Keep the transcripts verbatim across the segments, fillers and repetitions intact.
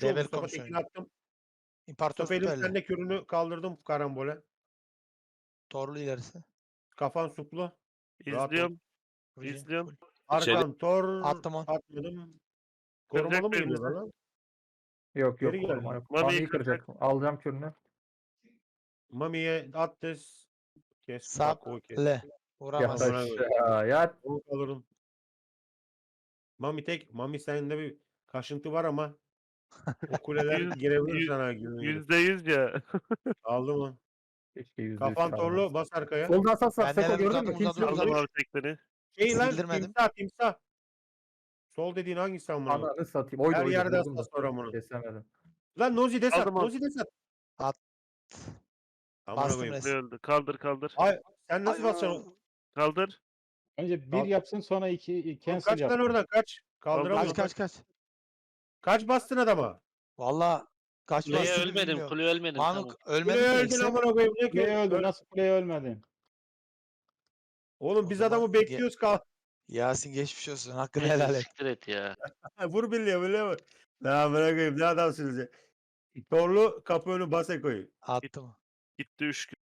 Çoğu Level Mustafa komisyon. Tekin'i attım. İmparator Mustafa Elim süperli. sen de kürünü kaldırdım karambole. Torlu ilerisi. Kafan suplu. Rahat ol. İzliyorum. Vurayım. İzliyorum. Full. Arkan tor Attım on. atmadım. Korumalı mı Kıracak geliyorlar birbirimizi. lan? Yok Geri yok koruma geldi. yok. Mami'yi Mami'yi kıracak. Alacağım kürünü. Mami'ye at des. Kes. Sap. Bak o kes. Le. Yat Vuramaz. Amına aşağı yat. Onu alırım. Mami tek. Mami sende bir kaşıntı var ama o kuleler Yüz- girebilir yüz- sana. Yüzde Yüzde yüz ya. Aldım onu. Keşke yüzde yüz Kafan çalmaz. torlu bas arkaya. Solda asas var. Ben Seko neler gördün uzadım, mü? Kim uzadım, sildi? Aldım abi tekleri. Şey lan Sildirmedim. timsah timsah. Sol dediğin hangisi amına? Ananı satayım. Oydu Her oydu. yerde vurdum da. asas var amına. Kesemedim. Lan Nozi de sat. Aldım, aldım. Nozi de sat. At. Amına Bastım koyayım. resim. Öldü. Kaldır kaldır. Ay sen nasıl Ay, basacaksın? Kaldır. Önce bir Al. yapsın sonra iki Oğlum cancel kaç yap. lan oradan kaç. Kaldıramıyorum. Kaç kaç kaç. Kaç bastın adama? Valla kaç Kuleye bastığını ölmedim, bilmiyorum. kuleye ölmedim. Mamuk Tamam. ölmedi Kuleye mi? öldün Eksem- amına koyayım. Ne Kuleye ki? öldü. Nasıl kuleye ölmedin? Oğlum O biz zaman adamı ge- bekliyoruz kal. Yasin geçmiş olsun. Hakkını Neyse, helal et. siktir et ya. Vur birliğe biliyor musun? Ne amına koyayım ne adamsınız ya. Torlu kapı önü base koyun. Attım. Gitti üç gün.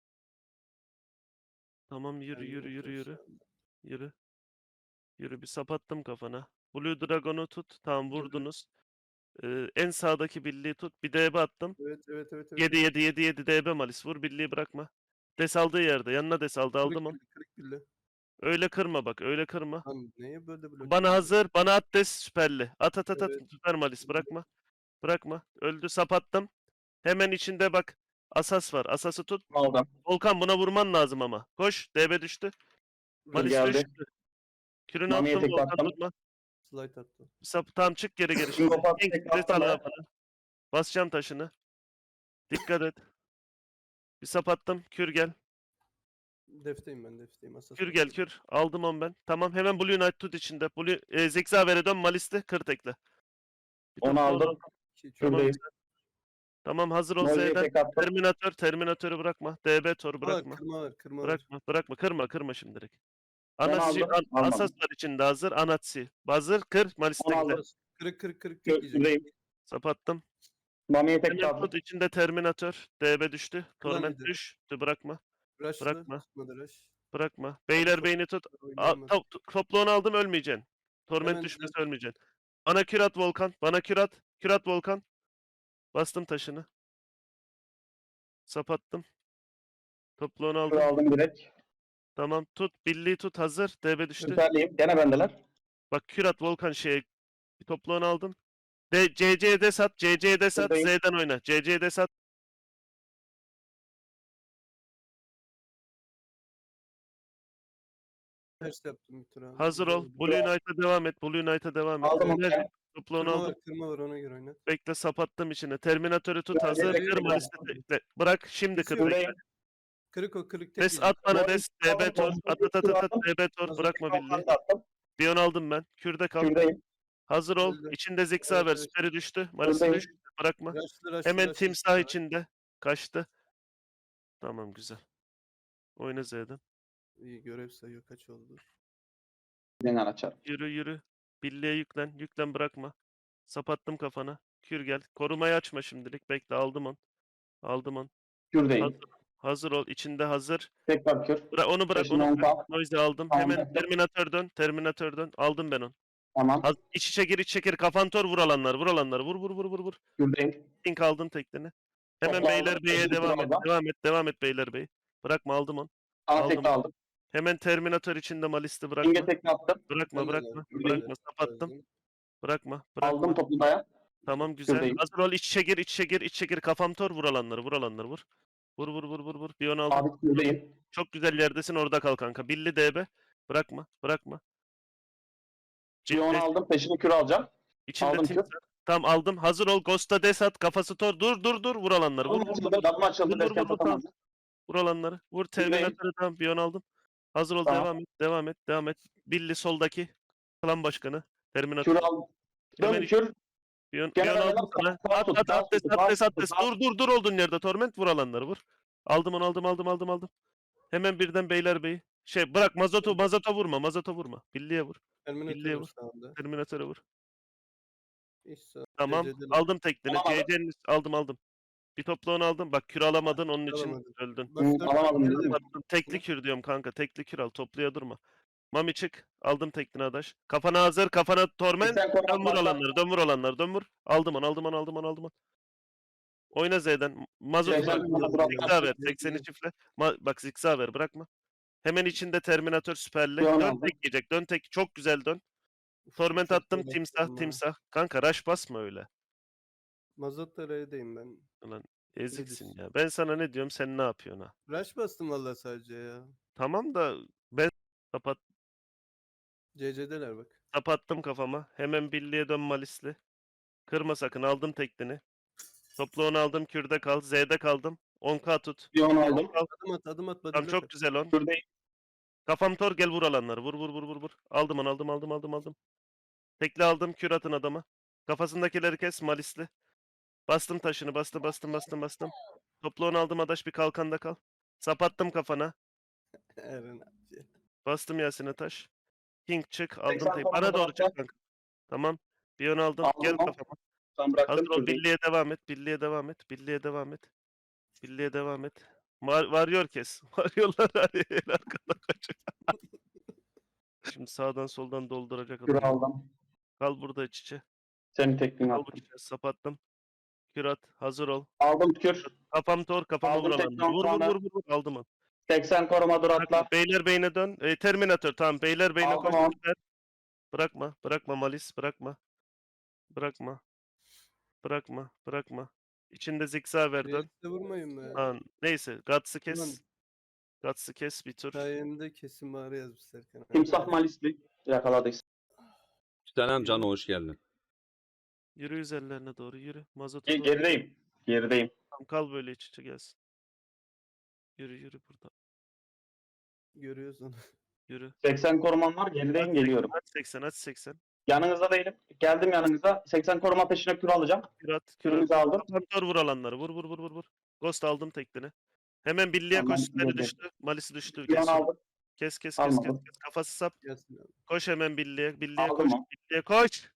Tamam yürü yürü yürü yürü. Yürü. Yürü bir sapattım kafana. Blue Dragon'u tut. Tamam vurdunuz. Ee, en sağdaki birliği tut. Bir D B attım. Evet evet evet. evet. yedi yedi yedi yedi D B Malis. Vur birliği bırakma. Des aldığı yerde. Yanına des aldı. Aldım onu. Kırık, kırık bille. Öyle kırma bak. Öyle kırma. Lan neye böyle blok? Bana hazır. Bana at des süperli. At at at at. Evet. Süper Malis. Bırakma. Bırakma. Öldü sapattım. Hemen içinde bak. Asas var. Asası tut. Aldım. Volkan buna vurman lazım ama. Koş. D B düştü. Malis geldi. düştü. Kürünü Mami'ye attım. tek Volkan attım. tutma. Slide attı. Sap tam çık geri geri. Şimdi Şimdi. kapat, En tek küresi attım al ya. bana. Basacağım taşını. Dikkat et. Bir sapattım. Kür gel. Defteyim ben defteyim. Asas Kür gel kür. Aldım on ben. Tamam hemen Blue Knight tut içinde. Blue e, Zigzaver'e dön Malis'te. Kır tekle. Bir Onu topla aldım. İki, üç. Tamam. Şuradayım. güzel. Tamam hazır ol Nozi'ye Z'den. tek attım. Terminator. Terminatörü bırakma. D B Tor Aa, bırakma. kırma var kırma var. Bırakma. Bırakma. Kırma. Kırma şimdilik. Ben Anatsi, aldım, an, almadım. Asas var içinde hazır. Anatsi. Hazır. Kır. Malis'te Onu gider. aldım. Kırık kırık kırık Kür- tek yiyecek. Şuradayım. Sapattım. Mami'ye tek Hemen attım. tut içinde Terminator. D B düştü. Torment Kullanıydı. düştü. Bırakma. Rush'lı. Bırakma. Tutmadı rush. Bırakma. Beyler beyni tut. Al, Oynayamaz. to, to, topluğunu aldım ölmeyeceksin. Torment Hemen düşmesi düzelt. ölmeyeceksin. Bana kürat Volkan. Bana kürat. Kürat Volkan. Bastım taşını. Sapattım. Topluğunu Kür aldım. aldım direkt. Tamam tut. Billiyi tut hazır. D B düştü. Süperliyim. Gene bendeler. Bak kürat Volkan şeye. Bir topluğunu aldım. De, C C'de sat. C C'de sat. Buradayım. Z'den oyna. C C'de sat. Ters yaptım bir tur abi. Hazır ol. Güzel. Blue Knight'a devam et. Blue Knight'a devam et. Aldım onu. Ver. Topluğunu Kırma aldım. var kırma var ona göre oynat. Bekle sapattım içine. Terminatörü tut Ya, hazır. direkt Kırma kırma. liste. Bırak şimdi kır. Şuradayım. bekle. Kırık o kırık tek Des yiyecek. at bana Doğru. des. D B tor. At at at at at. D B tor. Hazır. Bırakma bildiği. Kalkan da attım. Bir on aldım ben. Kürde kal. Şuradayım. Hazır ol. Öldü. İçinde Zigzag Evet, ver. evet. Süperi düştü. Marisi Buradayım. düştü. Bırakma. Rush'lı rush'lı Hemen rush'lı timsah rush'lı. içinde. Kaçtı. Tamam güzel. Oyna Z'den. İyi görev sayıyor kaç oldu. Beni açar. Yürü yürü. Billiye yüklen. Yüklen bırakma. Sapattım kafana. Kür gel. Korumayı açma şimdilik. Bekle aldım on. Aldım on. Şuradayım. Hazır, hazır ol. İçinde hazır. Tekrar kür. Bırak onu bırak Taşını onu. on bırak. kal. Noise'i aldım. Tamam, Hemen yaptım. Terminator dön. Terminator dön. Aldım ben onu. Tamam. Haz- İç içe gir iç içe gir. Kafan tor vur alanlar. Vur alanlar. Vur vur vur vur vur. Şuradayım. Link aldın tekneni. Hemen Topla Beyler aldım. Bey'e Teşekkür devam et. ederim. Devam et. Devam et Beyler Bey. Bırakma aldım onu. Sana Aldım. tek aldım. Hemen Terminator içinde Malis'te İnge bırakma. tekne attım. Bırakma Ben de bırakma. geldim. Bırakma. Sapattım. Çözdüm. Bırakma. Bırakma. Aldım toplu daya. Tamam güzel. Şuradayım. Hazır ol. İç içe gir iç içe gir iç içe gir. Kafam tor vur alanları. Vur alanları vur. Vur vur vur vur vur. Bir on aldım. Abi şuradayım. Çok güzel yerdesin orada kal kanka. Billi D B. Bırakma. Bırakma. Bir onu Ciddi. aldım. Peşini kür alacağım. İçinde aldım tim. kür. Tamam aldım. Hazır ol. Ghost'a des at. Kafası tor. Dur dur dur. Vur alanları. Vur Damla vur vur. açıldı. Damla açıldı. Vur, vur, Desken vur, vur, tutamadım. Vur alanları. Vur Buradayım. Terminator'ı tamam. Bir on aldım. Hazır ol. Tamam. Devam et. Devam et. Devam et. Billi soldaki. Klan başkanı. Terminator. Kür aldım. Hemen Dön iç- kür. Bir on, Gene bir on ben aldım de sana. sağ At tut, at sağ at des tut, at sağ des at tut, des. sağ Dur dur dur olduğun yerde Torment vur alanları vur. Aldım onu aldım aldım aldım aldım. Hemen birden Beyler Bey. Şey bırak Mazoto Mazoto vurma Mazoto vurma. Billiye vur. Terminator Birliğe var vur. sağında. Terminator'a vur. İş sağ. Tamam. C C'deler. Aldım tekniğini. Alamadım. C C'nin aldım aldım. Bir topla onu aldım. Bak kür alamadın onun için Alamadın. öldün. Bak Hı, dört alamadım tane dedim. de- Attım. Tekli kür diyorum kanka. Tekli kür al. Topluya durma. Mami çık. Aldım tekniğini adaş. Kafana hazır. Kafana torment. seksen koruma Dön vur atla. olanları. Dön vur olanları. Dön vur. Aldım onu. Aldım onu. Aldım onu. Aldım onu. Oyna Z'den. Mazot seksen bak. koruma dur atla. Zikza ver. Z'den. sekseni çiftle. Ma bak zikza ver. Bırakma. Hemen içinde Terminator süperli. Dön Dön aldım. tek yiyecek. Dön tek. Çok güzel dön. Uf, Torment çok attım. güzel Timsah. attım ha. Timsah. Kanka rush basma öyle. Mazot da R'deyim ben. Ulan eziksin düşün. ya. Ben sana ne diyorum sen ne yapıyorsun ha? Rush bastım valla sadece ya. Tamam da ben kapat C C'deler bak. kapattım kafama. Hemen birliğe dön Malisli. Kırma sakın aldım teknini. Toplu onu aldım kürde kal. Z'de kaldım. on K tut. Bir on aldım. Adım at adım at. Tamam Badile çok güzel on. Şuradayım. Kafam tor gel vur alanları. Vur vur vur vur vur. Aldım onu aldım aldım aldım aldım. Tekli aldım kür atın adama. Kafasındakileri kes Malisli. Bastım taşını bastım bastım bastım bastım. Toplu onu aldım adaş bir kalkanda kal. Sapattım kafana. Eren abi. Bastım Yasin'e taş. King çık aldım seksen tek. koruma Bana doğru atla. çık kanka. Tamam. Bir ön aldım. Aldım Gel onu. kafama. Tam bıraktım. Hazır ol. Şuradayım. Birliğe devam et. Birliğe devam et. Birliğe devam et. Birliğe devam et. Var, varıyor kes. Varıyorlar hadi. El arkada kaçıyor. Şimdi sağdan soldan dolduracak Kür adam. aldım. Kal burada iç içe. Senin tekniğini Kal attım. bu içe. Sapattım. Kürat. Hazır ol. Aldım kür. Kafam tor. Kafama Aldım vur tek alanları. Vur vur noktanı. vur vur. vur. Aldım onu. seksen koruma dur Bırakma. atla. Beyler beyne dön. E, Terminator tamam. Beyler beyne Aldım koş. onu. Süper. Bırakma. Bırakma Malis. Bırakma. Bırakma. Bırakma. Bırakma. İçinde zikza ver dön. Reakte vurmayın be. Lan, neyse. Guts'ı Ulan kes. Guts'ı kes bir tur. sayemde kesin bağrı yazmış Serkan abi. Timsah Malisli. Yakaladıysa. Selam Can, hoş geldin. Yürü üzerlerine doğru yürü. Mazota Ge- doğru. Gerideyim. Gerideyim. Tamam, kal böyle iç içe gelsin. Yürü yürü burada. Görüyoruz onu. Yürü. seksen korumam var. Gerideyim geliyorum. Aç seksen aç seksen. Yanınızda değilim. Geldim yanınıza. seksen koruma peşine kür alacağım. Kürat. Kürümüzü Kürat. aldım. Kapantor vur alanları. Vur vur vur vur vur. Ghost aldım teknini. Hemen birliğe Tamam, koş. Süperi vurdum. düştü. Malisi düştü. Bir an Kes. aldım. Kes kes kes kes. Almadım. kes. Kafası sap. Gelsin abi. Koş hemen birliğe. Birliğe Aldım koş. onu. Birliğe koş.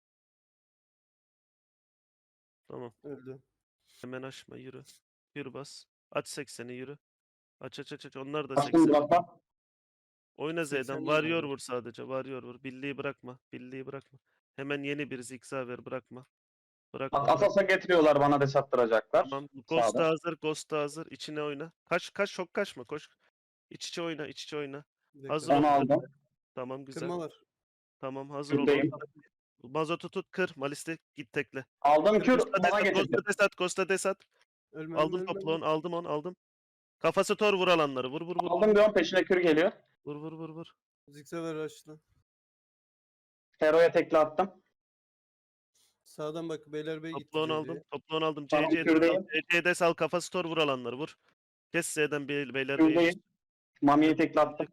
Tamam. Öldü. Hemen açma yürü. Yürü bas. Aç sekseni yürü. Aç aç aç aç. Onlar da Bastım seksen. drop'a. Oyna Z'den. seksen Varıyor vurdu. vur sadece. Varıyor vur. Birliği bırakma. Birliği bırakma. Hemen yeni bir zikza ver. Bırakma. Bırakma. Bak bırakma. Asas'a getiriyorlar bana de sattıracaklar. Tamam. Ghost da Sağda. hazır. Ghost da hazır. İçine oyna. Kaç kaç çok kaçma. Koş. İç içe oyna. İç içe oyna. Bir Hazır dakika. Onu ol. aldım. Tamam güzel. Kırma var. Tamam hazır ol. Kürdeyim. Mazotu tut kır. Malis'te git tekle. Aldım kür. Costa Bana desat. getirdi. Costa desat. Costa desat. Ölmem Aldım ölmem. toplu on. Aldım on. Aldım. Kafası tor vur alanları. Vur vur vur. Vur Aldım bir on peşine kür geliyor. vur vur vur. vur. Zikse ver açtı. Hero'ya tekli attım. Sağdan bak Beylerbeyi gitti. Toplu on C aldım. C'ye. Toplu on aldım. Tamam, C C'de sal. kürdeyim. C C'de sal. Kafası tor vur alanları. Vur. Kes Z'den bey, beyler beyi. Kürdeyim. Mami'yi tekli attım.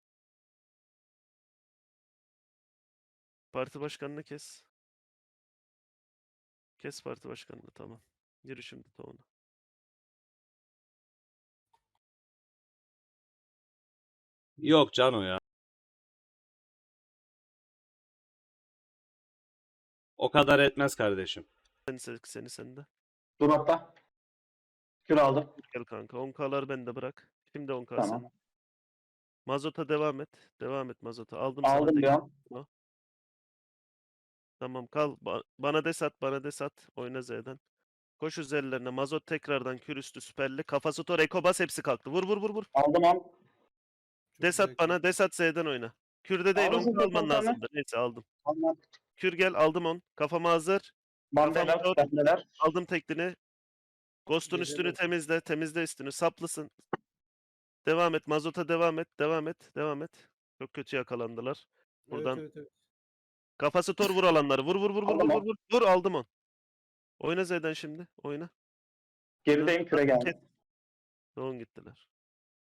Parti başkanını kes. Kes parti başkanını tamam. Yürü şimdi tavuğuna. Yok Cano ya. O kadar etmez kardeşim. Seni seni, seni sende. Dur atla. Kür aldım. Gel kanka. on K'lar bende bırak. Şimdi on K Tamam. sen. Mazota devam et. Devam et Mazota. Aldım sana Aldım tek. bir an. Tamam kal. Ba- bana des at. Bana des at. Oyna Z'den. Koş üzerlerine. Mazot tekrardan kür üstü süperli. Kafası tor. Eko bas hepsi kalktı. Vur vur vur vur. Aldım on. Çok Des güzel at bana. Des at Z'den oyna. Kürde değil. Aldım on K zaten alman bir tane. lazımdı. Neyse aldım. Aldım. Kür gel. Aldım on. Kafama hazır. Bandeler. Kafam Bandeler. Aldım teklini. Ghost'un Gece üstünü bak. temizle. Temizle üstünü. Saplısın. Devam et. Mazota devam et. Devam et. Devam et. Çok kötü yakalandılar. Buradan. Evet, evet, evet. Kafası tor vur alanları. Vur vur vur vur Aldım vur on. vur vur. Vur aldım on. Oyna Z'den şimdi. Oyna. Gerideyim küre geldi. Doğun gittiler.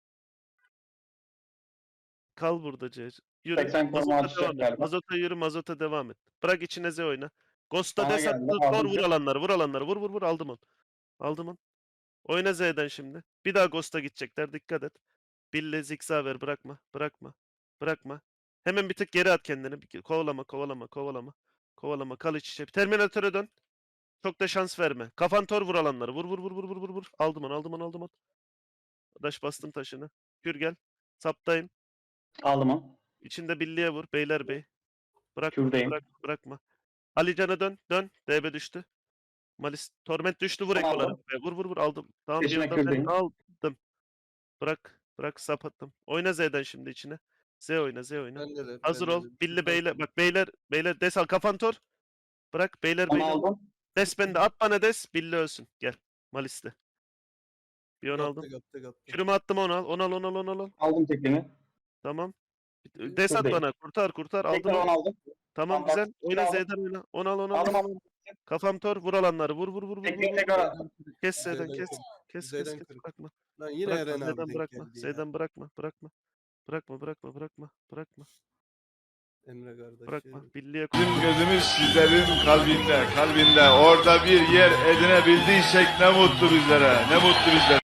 Kal burada C. Yürü. seksen koruma Mazota atacak devam et. galiba. Mazota yürü. Mazota devam et. Bırak içine Z oyna. Ghost'ta Bana desat. geldi, Tor aldım vur kür. alanları. Vur alanları. Vur vur vur. Aldım on. Aldım on. Oyna Z'den şimdi. Bir daha Ghost'a gidecekler. Dikkat et. Bille zikza ver. Bırakma. Bırakma. Bırakma. Hemen bir tık geri at kendini. Bir- Kovalama, kovalama, kovalama. Kovalama kal iç içe. Terminatöre dön. Çok da şans verme. Kafan tor vur alanları. Vur vur vur vur vur vur vur. Aldım onu aldım onu aldım onu. Daş bastım taşını. Kür gel. Saptayım. Aldım onu. İçinde birliğe vur. Beyler bey. Bırakma. Kürdeyim. Bırak, bırakma. Alican'a dön. Dön. D B düştü. Malis. Torment düştü. Vur Tamam, ekolara. aldım. Vur vur vur. Aldım. Tamam bir Peşine anda ben Kürdeyim. aldım. Bırak. Bırak sap attım. Oyna Z'den şimdi içine. Z oyna Z oyna. Ben de de. Hazır ben de ol. de. Billi Süper. beyler. Bak beyler. Beyler. Des al. Kafan tor. Bırak. Beyler Onu beyler. aldım. Des bende. At bana des. Billi ölsün. Gel. Malis'te. Bir on aldım. Yaptı yaptı yaptı. Kürümü attım onu al. On al on al on al. on. Aldım teklini. Tamam. Des at Şuradayım. bana. Kurtar kurtar. Aldım Tekrar onu onu. aldım. Tamam Tamam, bak, güzel. bir Oyna aldım. Z'den oyna. On al on al. Aldım on al. aldım. Kafam tor. Vur alanları. Vur vur vur vur. Teknik vur. tekrar aldım. Kes Z'den Z'den kes. kır. Kes kes Z'den kes. kır. Bırakma. Lan yine Bırakma. Eren abi Z'den denk bırakma. geldi ya. Z'den bırakma. Bırakma. Bırakma bırakma bırakma. Bırakma. Emre kardeş. Bırakma. Birliğe Bizim gözümüz sizlerin kalbinde, kalbinde. Orada bir yer edinebildiysek ne mutlu bizlere, ne mutlu bizlere.